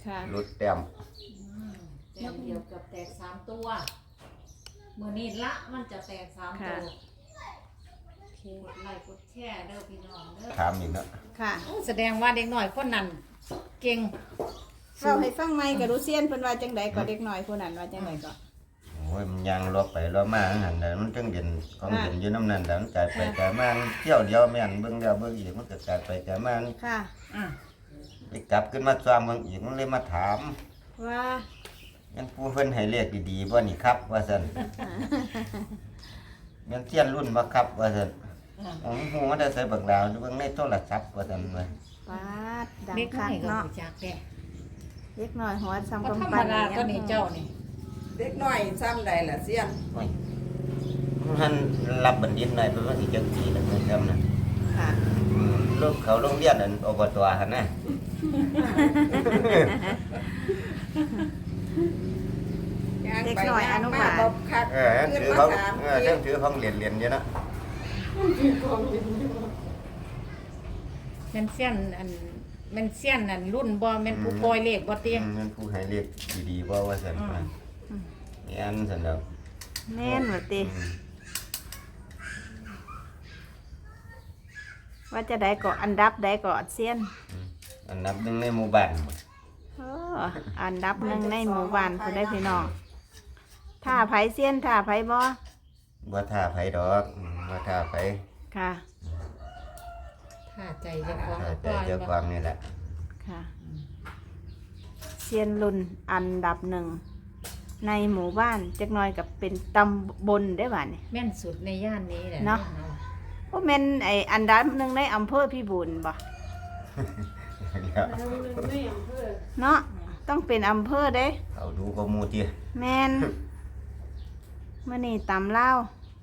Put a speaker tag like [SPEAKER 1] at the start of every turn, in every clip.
[SPEAKER 1] รุดแต้ม
[SPEAKER 2] แต้มเดียวกับแตก3ตัวมื้อนี้ละมันจะแตก3ตัวกดไลค์กดแชร์เด้อพี่น้องเด้อ
[SPEAKER 1] ถามอีกเนาะ
[SPEAKER 3] ค่ะ
[SPEAKER 2] แสดงว่าเด็กน้อยคนนั้นเก่ง
[SPEAKER 3] เราให้ฟังใหม่ก็รู้เซียนเพิ่นว่าจังได๋ก็เด็กน้อยผู้นั้นว่าจังได๋ก็
[SPEAKER 1] โอ้ยมันยังลบไปลบมาหั่นน่ะมันจังเด่นของเด่นอยู่น้ำนั้นแล้วมันกลายไปกลายมาเที่ยวเดียวแม่นเบิ่งแล้วเบิ่งอีกมันก็กลายไปกลายมา
[SPEAKER 3] ค่ะ
[SPEAKER 1] ไปกลับขึ้นมาซ้อมเบิ่งอีกมันเลยมาถาม
[SPEAKER 3] ว่า
[SPEAKER 1] งั้นผู้เพิ่นให้เลขดีๆบ่นี่ครับว่าซั่นแม่นเทียนรุ่นบ่ครับว่าซั่นโอ้โหมันได้ใส่บักดาวเบิ่งในโทรศัพท์ว่าซั่นว่า
[SPEAKER 3] ปาดดัง
[SPEAKER 2] เด็กน้
[SPEAKER 3] คั
[SPEAKER 2] อก ยก็
[SPEAKER 3] เนาะ
[SPEAKER 2] รู้จักแท้
[SPEAKER 3] เด็กน้อยหัวซ้ำ
[SPEAKER 2] ธร
[SPEAKER 3] กำ
[SPEAKER 2] รม
[SPEAKER 3] ปั้น
[SPEAKER 2] ดาก็นี่เจ้านี่
[SPEAKER 4] เด็กน้อยซ้ำใดล่ะเสียน
[SPEAKER 1] โอ้ยมันรับบัณฑิตหน่อยเพิ่นว่าสิจักปีแล้วเพิ่นจำนะ
[SPEAKER 3] ค่ะ
[SPEAKER 1] ลูกเขาโรงเรียนนั่นอบตหั่นนะ
[SPEAKER 3] เด็กน้อยอนุบาล
[SPEAKER 1] ถือเขาถือของเหรียญอยู่เนาะ
[SPEAKER 2] แม่นเสี้ยนอันแม่นเสี้ยนอันรุ่นบ่แม่นผู้ปล่อยเลขบ่เตี้ย
[SPEAKER 1] แม่นผู้ให้เลขดีๆบ่ว่าซั่นนี่อันซั่นดอก
[SPEAKER 3] แม่นว่าติว่าจะได้ก็อันดับได้ก็เซียน
[SPEAKER 1] อันดับหนึ่งในหมู่บ้าน
[SPEAKER 3] อันดับหนึ่งในหมู่บ้านผู้ได้พี่น้องท่าไผเซียนท่าไผบ่
[SPEAKER 1] ท่าไผดอกบ่ท่าไผ
[SPEAKER 3] ค่ะ
[SPEAKER 2] ถ้าใจเจ้าของ
[SPEAKER 1] แต่เจ้าความนี่แหละ
[SPEAKER 3] ค่ะเซียนรุ่นอันดับหนึ่งในหมู่บ้านจักหน่อยกับเป็นตำบลได้บ่านี่
[SPEAKER 2] แม่นสุดในย่านนี้แหละ
[SPEAKER 3] เนาะโอ้แม่นไอ้อันดับหนึ่งในอำเภอพิบูลบ่เนาะต้องเป็นอำเภอเด้
[SPEAKER 1] เอาดูก็มูติ
[SPEAKER 3] แม่นมื้อนี้ตำลาว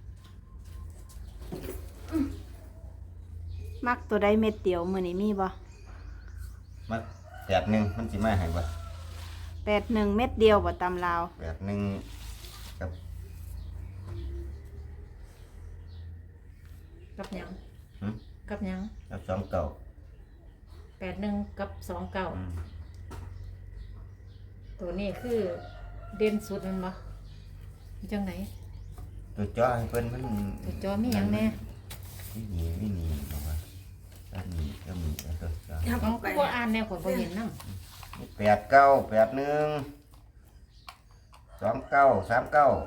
[SPEAKER 3] มักตัวใดเม็ดเดียวมื้อนี้มีบ่
[SPEAKER 1] มัก81มันสิมาให้บ่
[SPEAKER 3] 81เม็ดเดียวบ่ตำลาว
[SPEAKER 1] 81
[SPEAKER 2] กับหยังกับหยัง
[SPEAKER 1] กับ29
[SPEAKER 2] 81กับ29ตัวนี้คือเด่นสุดมันบ่จังไหน
[SPEAKER 1] ตัวจ้อให้เพิ่นมัน
[SPEAKER 2] ตัวจ้อมีหยังแน่
[SPEAKER 1] นี่บอกว่าอันนี้ก็มีตัวจ้อ
[SPEAKER 2] ของผู้อ่านแนวข่อยบ่เห็นนำ
[SPEAKER 1] 89 81 29 39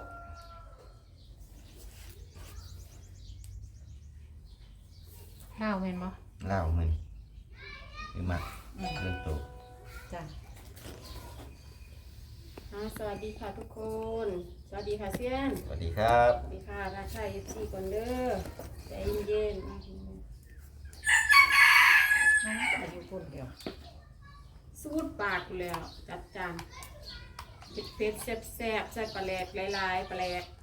[SPEAKER 2] ลาวแม่นบ่
[SPEAKER 1] ลาวมันคือมักเรื่องโต
[SPEAKER 2] จ้ะ
[SPEAKER 3] สวัสดีค่ะทุกคนสวัสดีค่ะเซียน
[SPEAKER 1] สวัสดีครับ
[SPEAKER 3] สวัสดีค่ะราชาFCก่อนเด้อใจเย็น
[SPEAKER 2] อายุคนเดียว
[SPEAKER 3] สูดปากแล้วจัดจานเผ็ดๆแซ่บๆใส่ปลาแหลกหลายๆปลาแหลก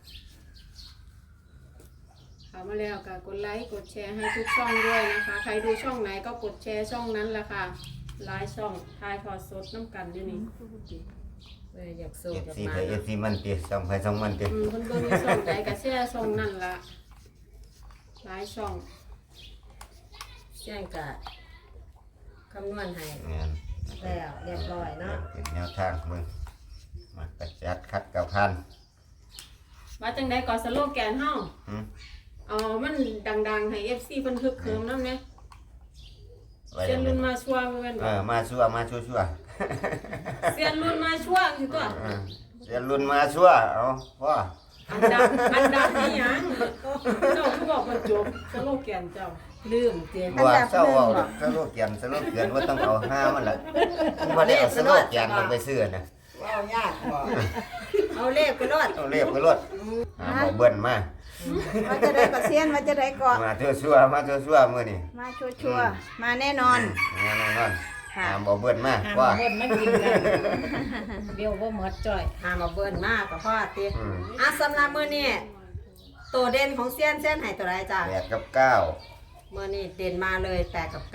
[SPEAKER 3] เข้ามาแล้วก็กดไลค์กดแชร์ให้ทุกช่องด้วยนะคะใครดูช่องไหนก็กดแชร์ช่องนั้นแหละค่ะหลายช่องถ่ายทอดสดน้ำกันอยู่นี่
[SPEAKER 2] อยากสู้กับมา
[SPEAKER 1] FC มันติส่องไปส่องมันติ
[SPEAKER 3] เพิ่นเบิ่งช่องใดก็แชร์ช่องนั้นล่ะหลายช่อง
[SPEAKER 2] แจ้งกะคำนวณให้แล้วเรียบร้อยเนาะ
[SPEAKER 1] เป็นแนวทางมึงมากระจัดคัดกับพัน
[SPEAKER 3] ว่าจังได๋ก็สโลแกนเฮามันดังๆให้ FC เพิ่นฮึกเหิมนำแหน่เซียนรุ่นมาชัวแม่นบ่
[SPEAKER 1] มาชัว
[SPEAKER 3] เซียนรุ่นมาชัวคือตัว
[SPEAKER 1] เซียนรุ่นมาชัวเอาพ่อ
[SPEAKER 3] อันดับนี่หยังเจ้าคือบอกว่าจบสโลแกนเจ้าลืมเจน
[SPEAKER 1] บ่เจ้าเอาสโลแกนว่าต้องเอา5มันล่ะบ่ได้เอาสโลแกนลงไปซื้อน่ะ
[SPEAKER 4] ว้าวยากบ่
[SPEAKER 3] เอาเลขไปรอด
[SPEAKER 1] บ่เบิ่นมา
[SPEAKER 3] ว่าจะได้ก็เซียนว่าจะได้ก็
[SPEAKER 1] มาเทื่อชั่วมื้อนี้
[SPEAKER 3] มาชัวมาแน่นอน
[SPEAKER 1] บ่เบิ่นมา
[SPEAKER 2] ว่าเบิ่นมากินกันเดี๋ยวบ่หมดจ้อย
[SPEAKER 3] มาเบิ่นมาก็พอติสำหรับมื้อนี้ตัวเด่นของเซียนให้ตัวใดจ้ะ
[SPEAKER 1] 8กับ9
[SPEAKER 3] มื้อนี้เด่นมาเลย8กับ9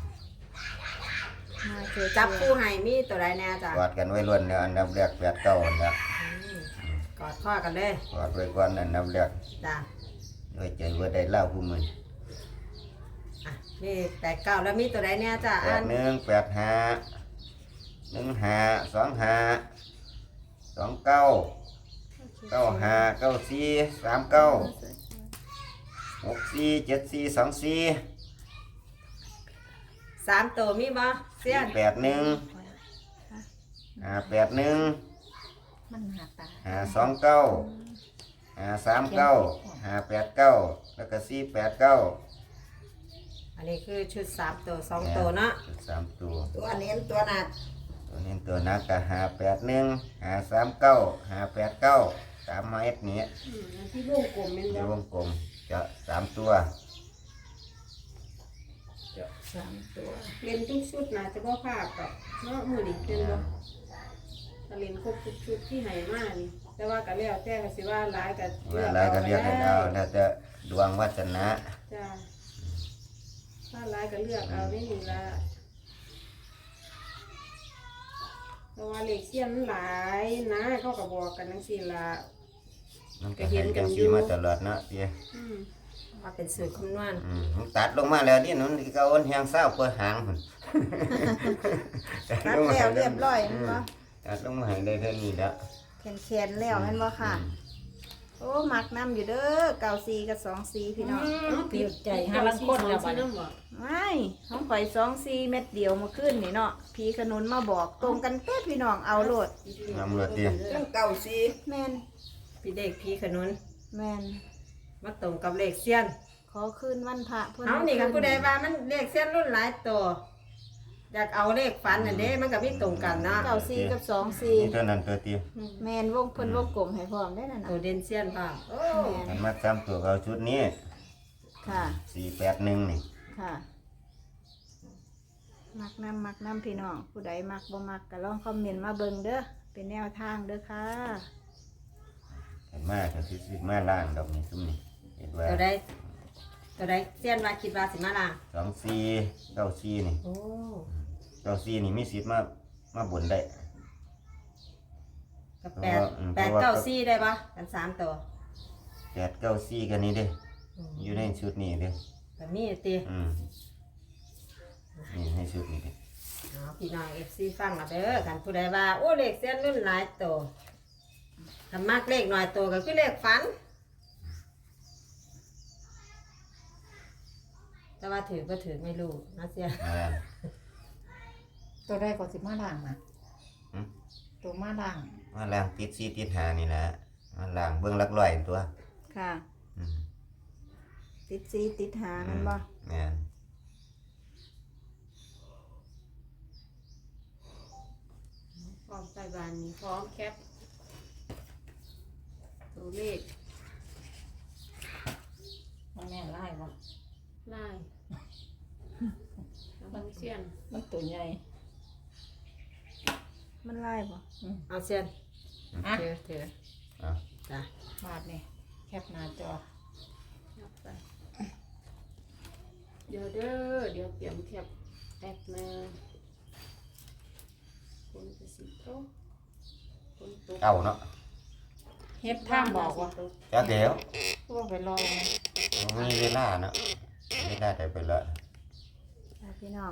[SPEAKER 3] จับคู่ให้มีตัวใดแน่จ้ะ
[SPEAKER 1] กอดกันไว้ล้วนเนี่ยอันดับแรก8 9อันดับ
[SPEAKER 3] กอดข้อกันเลย
[SPEAKER 1] กอดไว้ก่อนอันดับแรก
[SPEAKER 3] จ้ะ
[SPEAKER 1] ด้วยใจว่าได้เล่าผู้มื้อ
[SPEAKER 3] นี่8 9แล้วมีตัวใดแน่จ้ะ
[SPEAKER 1] 81 85 15 25 29 95 94 39 64 74 24
[SPEAKER 4] 3ตัวมีบ่เสี้ยน
[SPEAKER 1] 81 581
[SPEAKER 2] มันหาตา
[SPEAKER 1] 529 539 589แล้วก็489
[SPEAKER 4] อันนี้คือชุด3ตัว2ตัวเนาะ
[SPEAKER 1] 3ตัว
[SPEAKER 4] ตัวเน้นตัวหนัก
[SPEAKER 1] ตัวนี้ตัวนักก็581 539 589ตามมาเอ็ดนี้
[SPEAKER 3] อันที่วงกลมแม่น
[SPEAKER 1] ใน
[SPEAKER 3] บ่
[SPEAKER 1] วงกลมจะ3ตัว
[SPEAKER 4] 3ตัว
[SPEAKER 3] เล่นทุกชุดน่าจะบ่พลาดกับเนาะมื้อนี้เป็นบ่ถ้าเล่นครบทุกชุดที่ให้มานี่แต่ว่าก็แล้วแต่ก็สิว่าหลายก็
[SPEAKER 1] เวลาก็เรียกกันเอาแล้วแต่ดวงวาสนา
[SPEAKER 3] จ้าถ้าหลายก็เลือกเอาได้นี่ล่ะเพราะว่าเลขเสี้ยนหลายนะเขาก็บอกกันจังซี่ล่ะ
[SPEAKER 1] มันก็เห็นกันอยู่มาตลอดเนาะเตี้ย
[SPEAKER 3] อืม
[SPEAKER 4] ว่าเป็นสูตรคำนวณ
[SPEAKER 1] มันตัดลงมาแล้วนี่นุ่นที่เขาอ้นแหงเศร้าเปิดหางมัน
[SPEAKER 5] ตัดแล้วเรียบร้อยแม่นบ่
[SPEAKER 1] ตัดลงมาให้ได้เท่านี้แล้ว
[SPEAKER 5] แขนแล้วแม่นบ่ค่ะ โอ้มักน้ำอยู่เด้อ94กับ24พี่น้อง
[SPEAKER 2] เปลี่ยนใจหาลังคนแล้วบัดนี้
[SPEAKER 5] ไม่ของข่อย24เม็ดเดียวเมื่อคืนนี่เนาะพี่ขนุนมาบอกตรงกันเป๊ะพี่น้องเอาโลด
[SPEAKER 1] นำรถเตี้ย
[SPEAKER 4] เรื่องเก่าสิ
[SPEAKER 5] แม่น
[SPEAKER 4] พี่เด็กพี่ขนุน
[SPEAKER 5] แม่น
[SPEAKER 4] มาตรงกับเลขเสี้ยน
[SPEAKER 5] ขอคืนวันพระเพิ่น
[SPEAKER 4] เอานี่กับผู้ใดว่ามันเลขเสี้ยนรุ่นหลายตัวอยากเอาเลขฝันน่ะเด้มันก็มีตรงกันเนาะ
[SPEAKER 5] 94กับ
[SPEAKER 1] นี่ตัวนั้นตัวเตี้ย
[SPEAKER 5] 24แม่นวงเพิ่นวงกลมให้พร้อมได้นั่นน่ะ
[SPEAKER 4] ตัวเด่นเสี้ยนพ่อโอ้
[SPEAKER 5] แม่น
[SPEAKER 1] มันมาซ้ำตัวเขาชุดนี้
[SPEAKER 5] ค่ะ
[SPEAKER 1] 481นี่
[SPEAKER 5] ค่ะ มักน้ำพี่น้องผู้ใดมักบ่มักก็ลองคอมเมนต์มาเบิ่งเด้อเป็นแนวทางเด้อค่ะ
[SPEAKER 1] เห็นมาก็สิมาล่างดอกนี้ซุ่มนี่เห็นว่า
[SPEAKER 4] ตัวใดเสี้ยนว่าคิดว่าสิมาล่าง
[SPEAKER 1] 24 94นี่
[SPEAKER 4] โอ้
[SPEAKER 1] 94นี่มีสิทธิ์มาบนได้
[SPEAKER 4] กับ8 9 4ได้ปะกัน3ตัว
[SPEAKER 1] 894กันนี้เด้อยู่ในชุดนี้เด้
[SPEAKER 4] แบบนี้ติ
[SPEAKER 1] นี่ให้ชุดนี้เด้
[SPEAKER 4] เอาพี่น้อง FC ฟังมาเด้อกันผู้ใดว่าโอ้เลขเสี้ยนรุ่นหลายตัวถ้ามากเลขน้อยตัวก็คือเลขฝันแต่ว่าถือก็ถือไม่รู้นะเสีย
[SPEAKER 2] ตัวได้ก็สิมาล่างนะ
[SPEAKER 1] หืม
[SPEAKER 2] ตัวมาล่าง
[SPEAKER 1] มาล่างติด4ติด5นี่แหละมาล่างเบิ่งหลักร้อยตัว
[SPEAKER 5] ค่ะ
[SPEAKER 1] อืม
[SPEAKER 5] ติด4ติด5นั่นบ่
[SPEAKER 1] แม่น
[SPEAKER 3] พร้อมใส่บานนี้พร้อมแคปตัวเลข
[SPEAKER 2] มันแม่ไล่บ่
[SPEAKER 3] ไล่แล้วบางเสี้ยน
[SPEAKER 2] มันตัวใหญ่
[SPEAKER 5] มันไล่บ่
[SPEAKER 4] เอาเสียน
[SPEAKER 2] อ่ะ
[SPEAKER 4] ถือ
[SPEAKER 1] อ่ะ
[SPEAKER 4] จ้ะ
[SPEAKER 2] บาดนี่แคปหน้าจอ
[SPEAKER 3] นับไปเดี๋ยวเด้อเดี๋ยวเตรียมแคปแป๊บนึงคนจะสิโตคนตก
[SPEAKER 1] เก้าเนาะ
[SPEAKER 2] เฮ็ดท่ามบอกว่า
[SPEAKER 1] จักเดี๋ยว
[SPEAKER 2] พวกไปรอไง
[SPEAKER 1] มีเวลาเนาะเวลาได้ไปละ
[SPEAKER 5] ค่ะพี่น้อง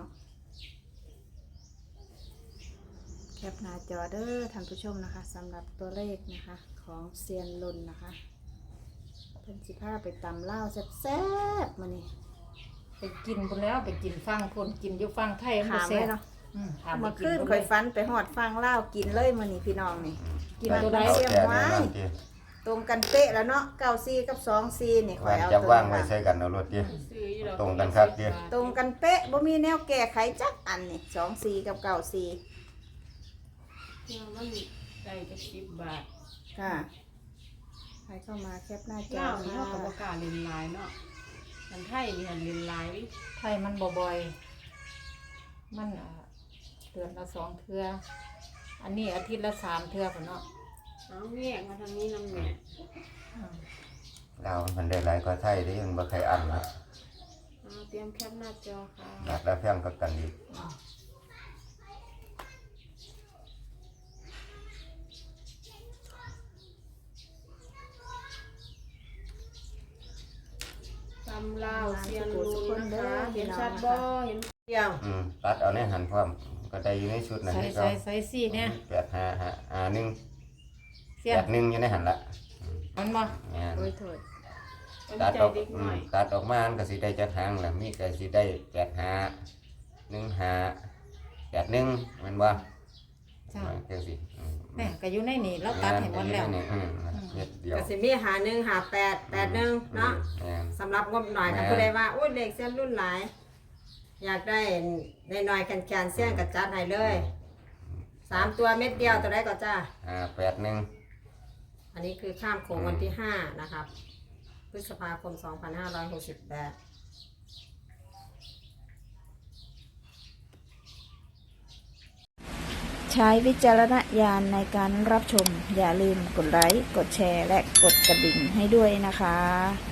[SPEAKER 5] แคปหน้าจอเด้อท่านผู้ชมนะคะสำหรับตัวเลขนะคะของเซียนลุนนะคะเพิ่นสิพาไปตำลาวแซ่บๆมื้อนี้
[SPEAKER 2] ไปกินพุ่นแล้วไปกินฟังคนกินอยู่ฟังไทยมัน
[SPEAKER 5] ถาม
[SPEAKER 2] แซ่
[SPEAKER 5] ไว้
[SPEAKER 2] บ
[SPEAKER 5] เนาะ
[SPEAKER 2] ถามไป
[SPEAKER 5] เมื่อ
[SPEAKER 2] กิ
[SPEAKER 5] คื
[SPEAKER 2] น
[SPEAKER 5] น
[SPEAKER 2] พุ่น
[SPEAKER 5] ข่อย
[SPEAKER 2] เลย
[SPEAKER 5] ฟันไปหอดฟังลาวกินเลยมื้อนี้พี่น้องนี่ กินตัวใด
[SPEAKER 1] เอา
[SPEAKER 5] เสียง
[SPEAKER 1] แต่
[SPEAKER 5] ไว้
[SPEAKER 1] แน่นอนเตี้ย
[SPEAKER 5] ตรงกันเป๊ะแล้วเนาะ94กับ24นี่ข่อ
[SPEAKER 1] ว่าย
[SPEAKER 5] เอา
[SPEAKER 1] จับ
[SPEAKER 5] ตัว
[SPEAKER 1] ว่าง
[SPEAKER 5] นี้
[SPEAKER 1] ไว้
[SPEAKER 5] ค่ะ
[SPEAKER 1] ใส่กันเอารถเตี้ย
[SPEAKER 3] ซื้ออยู่ดอก
[SPEAKER 1] ตรงกันครับเดี๋ยว
[SPEAKER 5] ตรงกันเป๊ะบ่มีแนวแก้ไขจักอันนี่24กับ94
[SPEAKER 3] เที่ยวมันได้จะ10 บาท
[SPEAKER 5] ค่ะใครเข้ามาแคปหน้าจอ
[SPEAKER 3] เล่าวนี่
[SPEAKER 5] ค่ะ
[SPEAKER 3] เขาก็บอกล้าเล่นหลายเนาะมันไทยนี่หันเล่นหลายดิ
[SPEAKER 2] ไทยมันบ่อยมันเดือนละ2เทื่ออันนี้อาทิตย์ละ3เทื่อพุ่นเนาะ
[SPEAKER 3] เอาแยกมาทางนี้นำแม่
[SPEAKER 1] เรามันได้หลายกว่าไทยที่มันบ่ใครอันนะ
[SPEAKER 3] เอาเตรียมแคปหน้าจอค่ะ
[SPEAKER 1] บาทละแพงก็กันอีก
[SPEAKER 3] ตำลาวเซียนรูนะคะเห็นชัดบ่เห็น
[SPEAKER 4] เดียว
[SPEAKER 1] ตัดเอาในหันพร้อมก็ได้อยู่ในชุดนั้น
[SPEAKER 2] ใส่
[SPEAKER 1] ให้เขา
[SPEAKER 2] ใส่ซี่เนี่ย
[SPEAKER 1] 85
[SPEAKER 2] เสี้ยน
[SPEAKER 1] 81อยู่ในหันละ
[SPEAKER 2] มันบ่
[SPEAKER 1] แม่น
[SPEAKER 5] โอ้ยโทษ
[SPEAKER 3] มัน
[SPEAKER 1] ตัด
[SPEAKER 3] ใจ
[SPEAKER 1] ออก
[SPEAKER 3] เด็กน้อย
[SPEAKER 1] ตัดออกมามันก็สิได้จักหางล่ะมีก็สิได้85 15 81แม่นบ่
[SPEAKER 2] จ้า
[SPEAKER 1] จังซี่
[SPEAKER 2] แม่ก็อยู่ในนี่เราตัดให้หมดแล้ว
[SPEAKER 1] เม็ดเดียว
[SPEAKER 4] ก็สิมี51 58 81เนาะ
[SPEAKER 1] แม่น
[SPEAKER 4] สำหรับงบหน่อยกันผู้ใดว่าโอ้ยเลขเส้นรุ่นหลาย อยากได้หน่อยๆแคนๆเส้นก็จัดให้เลย3ตัวเม็ดเดียวตัวใดก็จ้า
[SPEAKER 1] 81
[SPEAKER 4] อันนี้คือข้ามโขงวันที่ 5 นะครับ พฤษภาคม 2568
[SPEAKER 5] ใช้วิจารณญาณในการรับชม อย่าลืมกดไลค์ กดแชร์ และกดกระดิ่งให้ด้วยนะคะ